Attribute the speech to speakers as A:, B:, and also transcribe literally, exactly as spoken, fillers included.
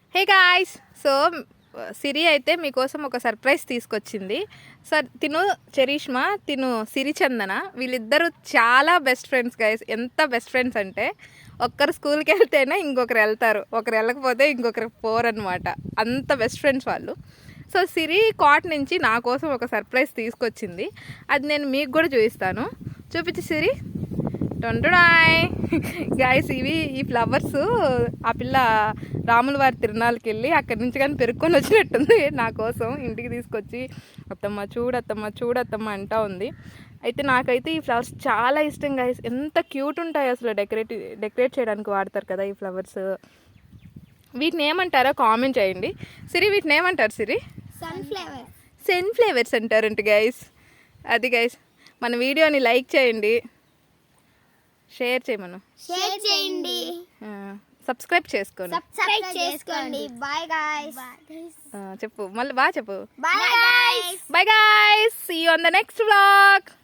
A: Hey guys, so సిరి అయితే మీకోసం ఒక సర్ప్రైజ్ తీసుకొచ్చింది. సార్ తిను చరిష్మా, తిను సిరిచందన, వీళ్ళిద్దరూ చాలా బెస్ట్ ఫ్రెండ్స్ గైస్. ఎంత బెస్ట్ ఫ్రెండ్స్ అంటే ఒక్కరు స్కూల్కి వెళ్తేనే ఇంకొకరు వెళ్తారు, ఒకరు వెళ్ళకపోతే ఇంకొకరు పోరనమాట. అంత బెస్ట్ ఫ్రెండ్స్ వాళ్ళు. సో సిరి కాట్ నుంచి నా కోసం ఒక సర్ప్రైజ్ తీసుకొచ్చింది. అది నేను మీకు కూడా చూపిస్తాను. చూపించి సిరి. టొంటుడాయ్ గాయస్, ఇవి ఈ ఫ్లవర్స్ ఆ పిల్ల రాముల వారి తిరునాళ్ళకి వెళ్ళి అక్కడి నుంచి కానీ పెరుక్కొని వచ్చినట్టుంది. నా కోసం ఇంటికి తీసుకొచ్చి అత్తమ్మ చూడత్తమ్మ చూడత్తమ్మ అంటా ఉంది. అయితే నాకైతే ఈ ఫ్లవర్స్ చాలా ఇష్టం గాయస్. ఎంత క్యూట్ ఉంటాయి అసలు. డెకరేట్ డెకరేట్ చేయడానికి వాడతారు కదా ఈ ఫ్లవర్స్. వీటిని ఏమంటారో కామెంట్ చేయండి. సిరి, వీటిని ఏమంటారు సిరి?
B: సన్ఫ్లవర్
A: సన్ ఫ్లేవర్స్ అంటారంట గైస్. అది గైస్, మన వీడియోని లైక్ చేయండి, షేర్ చేయమను,
B: షేర్ చేయండి,
A: సబ్స్క్రైబ్ చేసుకోండి.
B: సబ్స్క్రైబ్ చేసుకోండి. Bye guys.
A: చెప్పు మళ్ళీ బాగా చెప్పు.
B: Bye guys.
A: Bye guys, see you on the next vlog.